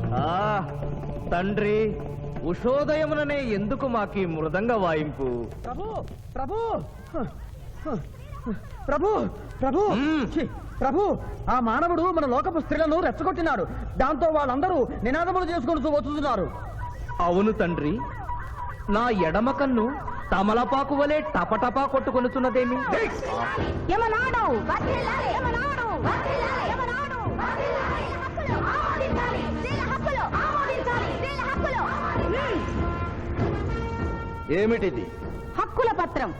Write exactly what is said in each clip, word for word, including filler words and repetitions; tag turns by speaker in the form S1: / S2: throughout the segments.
S1: తండ్రి ఉషోదయముననే ఎందుకు మాకి మృదంగ వాయింపు?
S2: ప్రభు ప్రభు ప్రభు ప్రభు ప్రభు ఆ మానవుడు మన లోకపు స్త్రీలను రెచ్చగొట్టినాడు. దాంతో వాళ్ళందరూ నినాదములు చేసుకుంటూ వస్తున్నారు.
S1: అవును తండ్రి, నా ఎడమ కన్ను తమలపాకు వలె టపటపా కొట్టుకొనుచున్నదేమి? ఏమిటిది?
S3: హక్కుల పత్రం.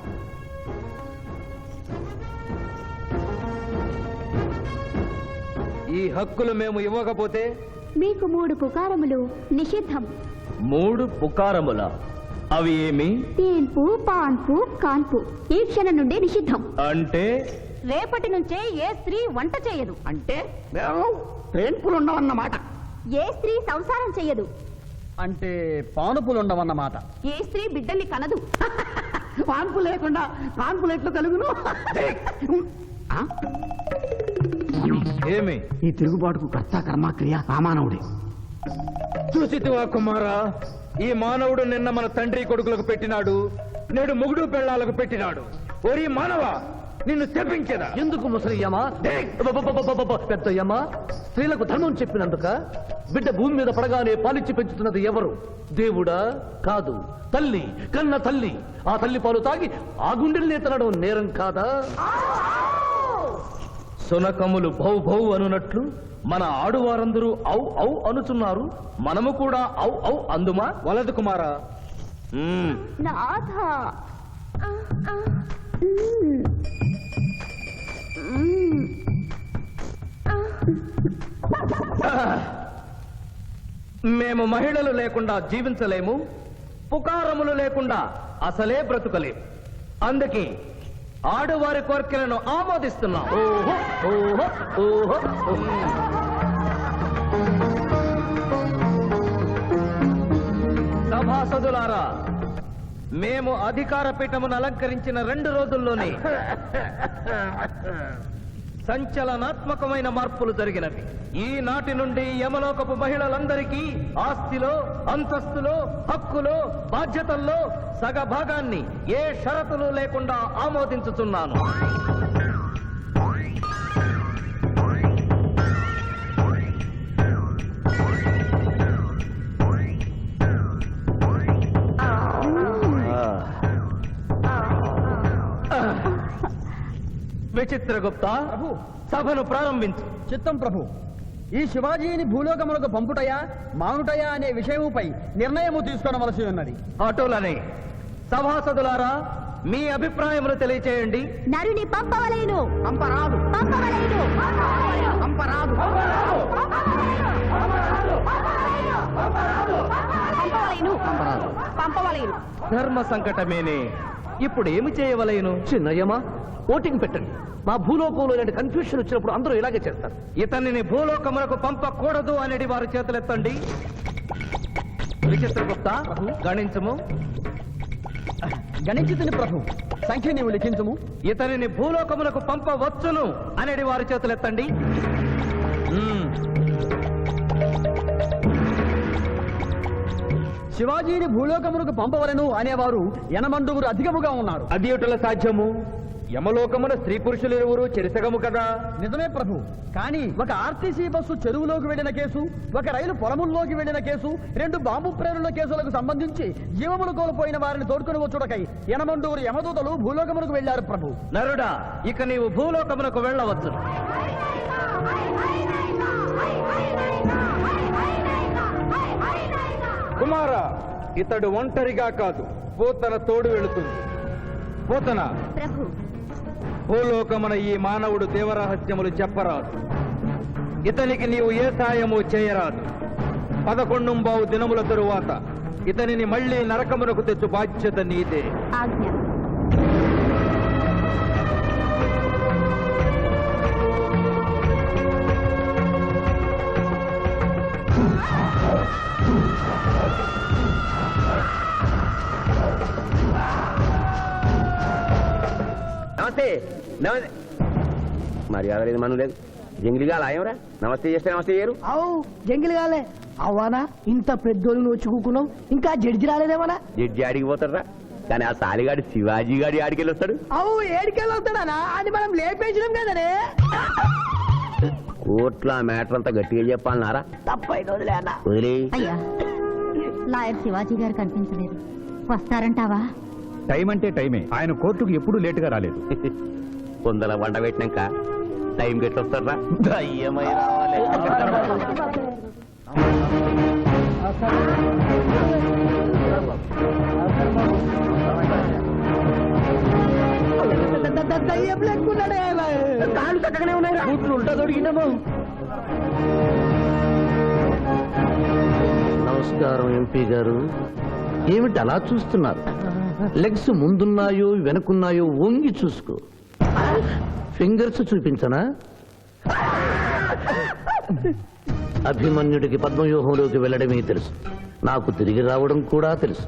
S1: ఈ హక్కులు మేము ఇవ్వకపోతే
S3: మీకు మూడు పుకారములు నిషిద్ధం.
S1: మూడు పుకారముల? అవి ఏమి?
S3: తేన్పు, పాన్పు, కాన్పు ఈ క్షణం నుండి నిషిద్ధం.
S1: అంటే
S3: రేపటి నుంచే ఏ స్త్రీ వంట చేయదు.
S2: అంటే తేన్పులు ఉండవన్నమాట.
S3: ఏ స్త్రీ సంసారం చెయ్యదు.
S2: అంటే పానుపులు ఉండవన్నమాట.
S3: ఏ స్త్రీ బిడ్డల్ని కనదు.
S2: పాన్పు లేకుండా పాన్పులు ఎట్లు కలుగును?
S1: ఏమి?
S2: ఈ తిరుగుబాటుకు కర్త కర్మక్రియ ఆ మానవుడే.
S1: చూసితివా కుమారా, ఈ మానవుడు నిన్న మన తండ్రి కొడుకులకు పెట్టినాడు, నేడు మొగుడు పెళ్ళాలకు పెట్టినాడు. ఓరి మానవ, నిన్ను శపించదా?
S4: ఎందుకు ముసలియమా? పెద్దయ్యమా, స్త్రీలకు ధర్మం చెప్పినందుక? బిడ్డ భూమి మీద పడగానే పాలిచ్చి పెంచుతున్నది ఎవరు? దేవుడా? కాదు, తల్లి, కన్న తల్లి. ఆ తల్లి పాలు తాగి ఆ గుండెల్ని తినడం నేరం కాదా?
S1: సునకములు భౌ భౌ అనునట్లు మన ఆడువారందరూ ఔ ఔ అనుచున్నారు. మనము కూడా ఔ ఔ అందుమా? వలదు కుమారా.
S3: నాథ,
S1: మేము మహిళలు లేకుండా జీవించలేము, పుకారములు లేకుండా అసలే బ్రతుకలేము. అందుకే ఆడువారి కోరికలను ఆమోదిస్తున్నాం.
S4: ఓహో ఓహో ఓహో.
S1: సభాసదులారా, మేము అధికార పీఠమును అలంకరించిన రెండు రోజుల్లోనే సంచలనాత్మకమైన మార్పులు జరిగినవి. ఈనాటి నుండి యమలోకపు మహిళలందరికీ ఆస్తిలో, అంతస్తులో, హక్కులో, బాధ్యతల్లో సగభాగాన్ని ఏ షరతులు లేకుండా ఆమోదించుతున్నాను. విచిత్రగుప్త, సభను ప్రారంభించు.
S2: చిత్తం ప్రభు. ఈ శివాజీని భూలోకములకు పంపుటయా మానుటయా అనే విషయముపై నిర్ణయము తీసుకోవలసి ఉన్నది.
S1: అటులనే సభాసదులారా, మీ అభిప్రాయములు తెలియచేయండి.
S3: నరుని పంపవలేను.
S2: పంపరాదు.
S3: పంపవలేను.
S2: పంపరాదు.
S3: పంపవలేను. పంపవలేను.
S1: ధర్మ సంకటమేనే. ఇప్పుడు ఏమి చేయవలేను?
S4: చిన్నయ్యమా, ఓటింగ్ పెట్టండి. మా భూలోకంలో ఇలాంటి కన్ఫ్యూషన్ వచ్చినప్పుడు అందరూ ఇలాగే చేస్తారు.
S1: ఇతనిని భూలోకములకు పంపకూడదు అనేది వారి చేతులెత్తండి. విచిత్రగుప్త, గణించము.
S2: గణించుతుని ప్రభు. సంఖ్య నీవు లిఖించము.
S1: ఇతనిని భూలోకములకు పంపవచ్చును అనేది వారి చేతులెత్తండి.
S2: శివాజీని భూలోకములకు పంపవలను అనేవారు ఎనమండుగురు అధికముగా ఉన్నారు.
S1: అది ఎటుల సాధ్యము? యమలోకమున స్త్రీ పురుషులు ఇరువురు చెరిసగము కదా.
S2: నిజమే ప్రభు. కానీ ఒక ఆర్టీసీ బస్సు చెరువులోకి వెళ్లిన కేసు, ఒక రైలు పొలముల్లోకి వెళ్లిన కేసు, రెండు బాంబు ప్రేరుల కేసులకు సంబంధించి జీవములు కోల్పోయిన వారిని తోడుకుని వచ్చుటకై ఎనమండుగురు యమదూతలు భూలోకమునకు వెళ్లారు ప్రభు.
S1: నరుడా, ఇక నీవు భూలోకమునకు వెళ్ళవచ్చు. కుమారా, ఇతడు ఒంటరిగా కాదు, పోతన తోడు వెళుతుంది. పోతన,
S3: ప్రభు,
S1: భూలోకమున ఈ మానవుడు దేవరహస్యములు చెప్పరాదు. ఇతనికి నీవు ఏ సాయము చేయరాదు. పదకొండుంబావు దినముల తరువాత ఇతనిని మళ్లీ నరకమునకు తెచ్చు బాధ్యత నీదే.
S3: ఆజ్ఞ.
S5: నమస్తే. నమస్తే. మర్యాద లేదు, మనం లేదు. జంగిలిగా లాయంరా. నమస్తే చేస్తే నమస్తే చేయరు.
S2: అవు జంగిలి గాలే.
S6: అవ్వానా ఇంత పెద్దోళ్ళు నువ్వు వచ్చి కూకున్నావు ఇంకా జడ్జి రాలేదేమన్నా
S5: జడ్జి ఆడికి పోతారా కానీ ఆ సాలిగాడి శివాజీ గాడి ఆడికి వెళ్ళొస్తాడు
S6: అవు ఏడికెళ్ళి వస్తాడనా అది మనం లేపేసినాం కదనే
S5: కోర్టులో ఆ మ్యాటర్ అంతా గట్టిగా చెప్పాలన్నారా
S6: తప్పైన వదిలే అన్న
S5: వదిలే
S3: అయ్యా లాయర్ శివాజీ గారు కనిపించలేదు వస్తారంటావా
S1: టైం అంటే టైమే ఆయన కోర్టుకు ఎప్పుడూ లేటుగా రాలేదు
S5: కొందల వంట పెట్టినాక టైం గట్టి వస్తారా దయ్యమై రావాలి
S6: దయ్యం లెక్కున్నాడే కాళ్ళు చక్కగానే ఉన్నాయి కూతురు ఉంటా దొరికినాము
S4: నమస్కారం ఎంపీ గారు ఏమిటి అలా చూస్తున్నారు లెగ్స్ ముందున్నాయో వెనుకున్నాయో వంగి చూసుకో ఫింగర్స్ చూపించనా అభిమన్యుడికి పద్మవ్యూహంలోకి వెళ్ళడమే తెలుసు నాకు తిరిగి రావడం కూడా తెలుసు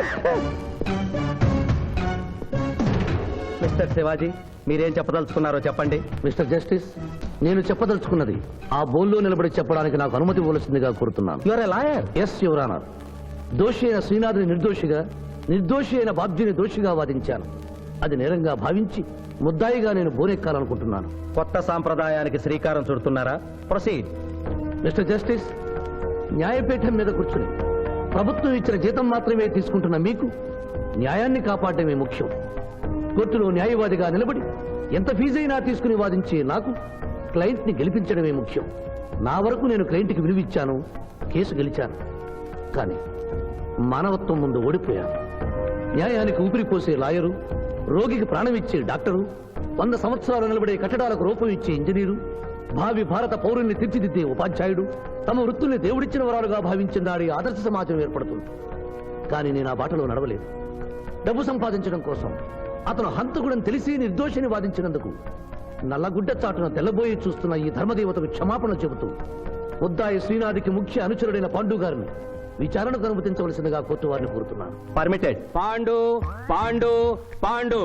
S2: మిస్టర్ శివాజీ మీరేం చెప్పదలుచుకున్నారో చెప్పండి
S4: మిస్టర్ జస్టిస్ నేను చెప్పదలుచుకున్నది ఆ బోన్లో నిలబడి చెప్పడానికి నాకు అనుమతి ఇవ్వవలసిందిగా కోరుతున్నాను
S2: your a lawyer
S4: yes your honour దోషి అయిన శ్రీనాథుని నిర్దోషిగా నిర్దోషి అయిన బాబ్జీని దోషిగా వాదించాను అది నేరంగా భావించి ముద్దాయిగా నేను బోనెక్కాలనుకుంటున్నాను
S2: కొత్త సాంప్రదాయానికి శ్రీకారం చుడుతున్నారా ప్రొసీడ్
S4: మిస్టర్ జస్టిస్ న్యాయపీఠం మీద కూర్చుని ప్రభుత్వం ఇచ్చిన జీతం మాత్రమే తీసుకుంటున్న మీకు న్యాయాన్ని కాపాడమే ముఖ్యం కోర్టులో న్యాయవాదిగా నిలబడి ఎంత ఫీజైనా తీసుకుని వాదించే నాకు క్లయింట్ ని గెలిపించడమే ముఖ్యం నా వరకు నేను క్లయింట్ కి విలువిచ్చాను కేసు గెలిచాను కానీ మానవత్వం ముందు ఓడిపోయాను న్యాయానికి ఊపిరిపోసే లాయరు రోగికి ప్రాణం ఇచ్చే డాక్టరు వంద సంవత్సరాలు నిలబడే కట్టడాలకు రూపం ఇచ్చే ఇంజనీరు భావి భారత పౌరుల్ని తీర్చిదిద్దే ఉపాధ్యాయుడు తమ వృత్తుల్ని దేవుడిచ్చిన వరాలుగా భావించిన నాడి ఆదర్శ సమాజం ఏర్పడుతుంది కానీ నేను ఆ బాటలో నడవలేదు డబ్బు సంపాదించడం కోసం అతను హంతకుడని తెలిసి నిర్దోషిని వాదించినందుకు నల్లగుడ్డ చాటున తెల్లబోయి చూస్తున్న ఈ ధర్మదేవతకు క్షమాపణ చెబుతూ ముద్దాయి శ్రీనాథికి ముఖ్య అనుచరుడైన పాండు గారిని విచారణకు అనుమతించవలసిందిగా కోర్టు వారిని కోరుతున్నాను
S5: పర్మిటెడ్
S1: పాండు పాండు పాండు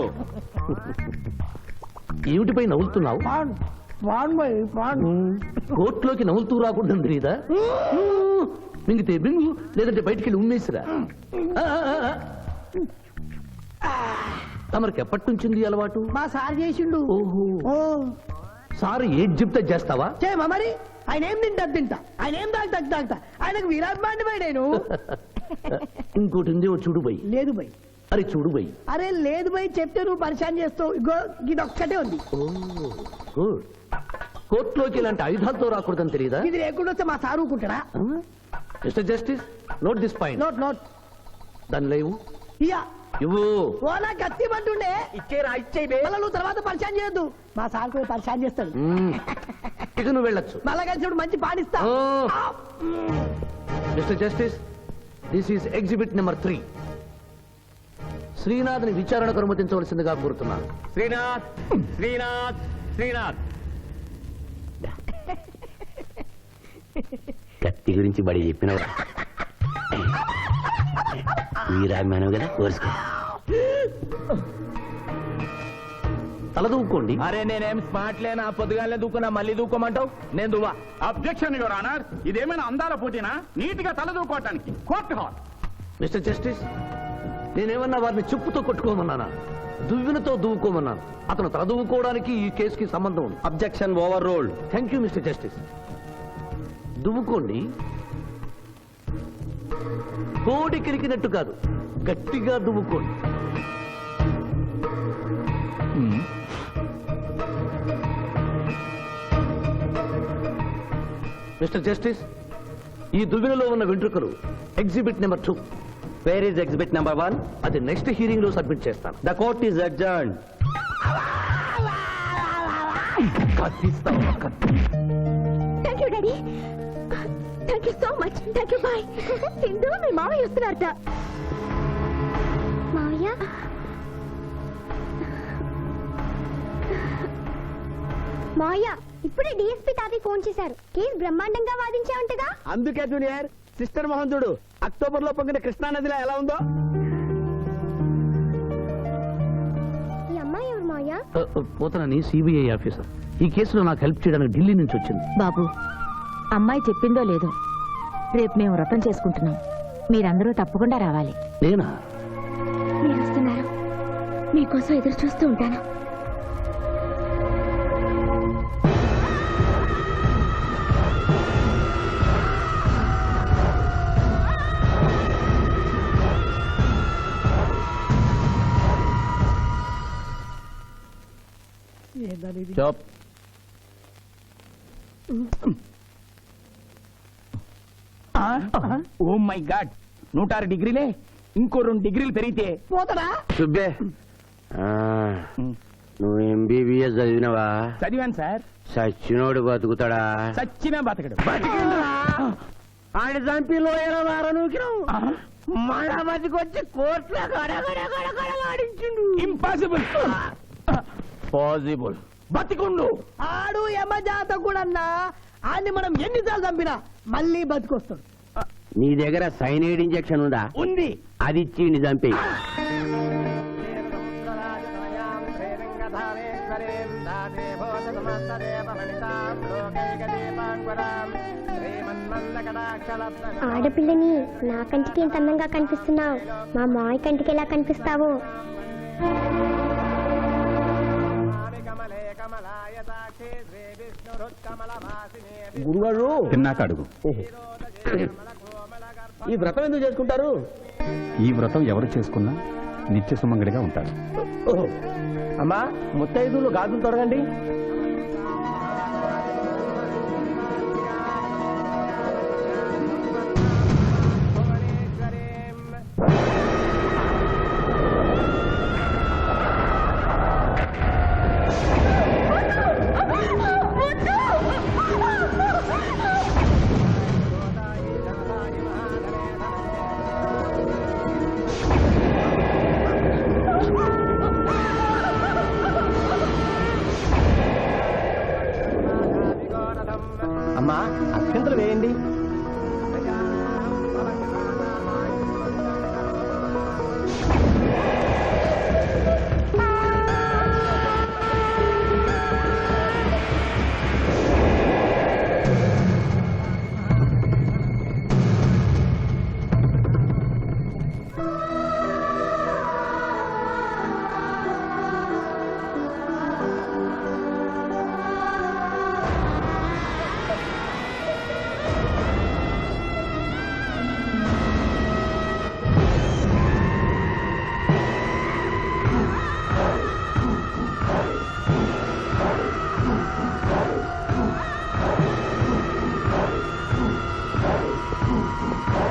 S4: ఏమిటిపై నవ్వులుతున్నావు
S6: పాండు పాండు
S4: కోర్టులోకి నవ్వులుతూ రాకుండా తెలీదా మింగితే బింగు లేదంటే బయటికి వెళ్ళి ఉమ్మేసిరా ఆ, ఆ, ఆ. తమరికి ఎప్పటి నుంచింది ఈ అలవాటు
S6: మా సార్ చేసిండు
S4: ఓహో
S6: ఓ
S4: సార్ ఏది చెప్తే చేస్తావా
S6: చేయమా మరి ఆయన ఏం తింటా తింటా ఆయన ఏం తాగుతా తాగుతా ఆయనకు విరాట్ బాండి పోయి నేను
S4: ఇంకోటి ఉంది ఓ చూడు బై
S6: లేదు బై
S4: అరే చూడు బై
S6: అరే లేదు బై చెప్తే నువ్వు పరిశాన్ చేస్తావు ఇగో ఇది ఒక్కటే ఉంది
S4: గుడ్ కోర్టులోకి ఇలాంటి ఆయుధాలతో రాకూడదని తెలియదా
S6: ఇది లేకుండా వస్తే మా సార్ ఊరుకుంటాడా
S4: mister justice note this point
S6: note note
S4: దాని లేవు
S6: ఇయ్యా
S4: ఇవ్వు
S6: ఓలా కత్తి పట్టుండే
S5: ఇచ్చేరా ఇచ్చే
S6: మళ్ళా నువ్వు తర్వాత పరిశాన్ చేయొద్దు మా సార్ కూడా పరిశాన్ చేస్తాడు
S4: మ్మ్. ఇక నువ్వు వెళ్ళొచ్చు
S6: మళ్ళా కలిసి మంచి పాడిస్తా
S4: ఓ. Mister justice this is exhibit number three శ్రీనాథ్ని విచారణకు అనుమతించవలసిందిగా కోరుతున్నాను
S5: శ్రీనాథ్ శ్రీనాథ్ శ్రీనాథ్ కత్తి గురించి బడి చెప్పినవా వీరాభిమానం కదా కోరుసుకో
S4: తలదూకోండి
S1: అరే నేనేం స్మార్ట్ లేనా పొద్దుగానే దూకున్నా మళ్ళీ దూకోమంటావు నేను దువ్వా
S7: అబ్జెక్షన్ యువర్ ఆనర్ ఇదేమైనా అందాల పోటీనా నీట్ గా తలదూకోవటానికి కోర్టు హాల్
S4: మిస్టర్ జస్టిస్ నేనేమన్నా వారిని చెప్పుతో కొట్టుకోమన్నానా దువ్వినతో దువ్వుకోమన్నాను అతను తల దువ్వుకోవడానికి ఈ కేసుకి సంబంధం ఉంది
S2: objection overruled
S4: thank you mister justice దువ్వుకోండి కోడి కిరికినట్టు కాదు గట్టిగా దువ్వుకోండి మిస్టర్ జస్టిస్ ఈ దువ్వెనలో ఉన్న వెంట్రుకలు exhibit number two
S2: where is exhibit number one
S4: అది నెక్స్ట్ హీరింగ్ లో సబ్మిట్ చేస్తాను
S2: the court is adjourned
S3: thank you daddy thank you so much thank you bye Sindhu మీ మావయ్య వస్తున్నారట మావయ్య మావయ్య ఇప్పుడే డిఎస్పీ తాతయ్య ఫోన్ చేశారు కేసు బ్రహ్మాండంగా వాదించావంటగా
S2: అందుకే జూనియర్ సిస్టర్ మోహన్ అక్టోబర్ లో పొంగిన కృష్ణా నదిలో ఎలా ఉందో
S3: ఈ అమ్మాయి ఎవరు మావయ్య
S4: పోతనని సిబిఐ ఆఫీసర్ ఈ కేసులో నాకు హెల్ప్ చేయడానికి ఢిల్లీ నుంచి వచ్చింది
S8: బాబు అమ్మాయి చెప్పిందో లేదో
S3: రేపు మేము వ్రతం చేసుకుంటున్నాం. మీరందరూ తప్పకుండా రావాలి.
S4: నేనా?
S3: మీరు వస్తున్నారు, మీకోసం ఎదురు చూస్తూ ఉంటాను.
S5: చూప్.
S7: ఓ మై గాడ్, నూట ఆరు డిగ్రీలే. ఇంకో రెండు డిగ్రీలు పెరిగితే
S6: పోతాడా?
S5: సుబ్బే, ఆ, నువ్వు ఎంబీబీఎస్ చదివినవా?
S7: చదివాను సార్.
S5: సచ్చినోడు బతుకుతాడా?
S7: చచ్చినా బతకడు.
S6: ఆయన చంపి లోయల వారనుకిరం మళ్ళా బతికొచ్చి కోర్టులో గడగడగడగడలాడించిండు.
S7: ఇంపాసిబుల్.
S5: పాసిబుల్.
S7: బతికుండు.
S6: ఆడు యమజాత కూడా ఆన్ని మనం ఎన్నిసార్లు చంపినా మళ్ళీ బతికొస్తాడు.
S5: నీ దగ్గర సైనైడ్ ఇంజెక్షన్ ఉందా?
S7: ఉంది.
S5: అది ఇచ్చి చంపి.
S8: ఆడపిల్లని నా కంటికి ఎంత అందంగా కనిపిస్తున్నావు, మా మాయ కంటికి ఎలా కనిపిస్తావు?
S2: గురుగారు
S7: తిన్నాక అడుగు.
S2: ఈ వ్రతం ఎందుకు చేసుకుంటారు?
S7: ఈ వ్రతం ఎవరు చేసుకున్నా నిత్య సుమంగడిగా ఉంటారు.
S2: అమ్మా ముత్తైదులు గాజులు తొడగండి.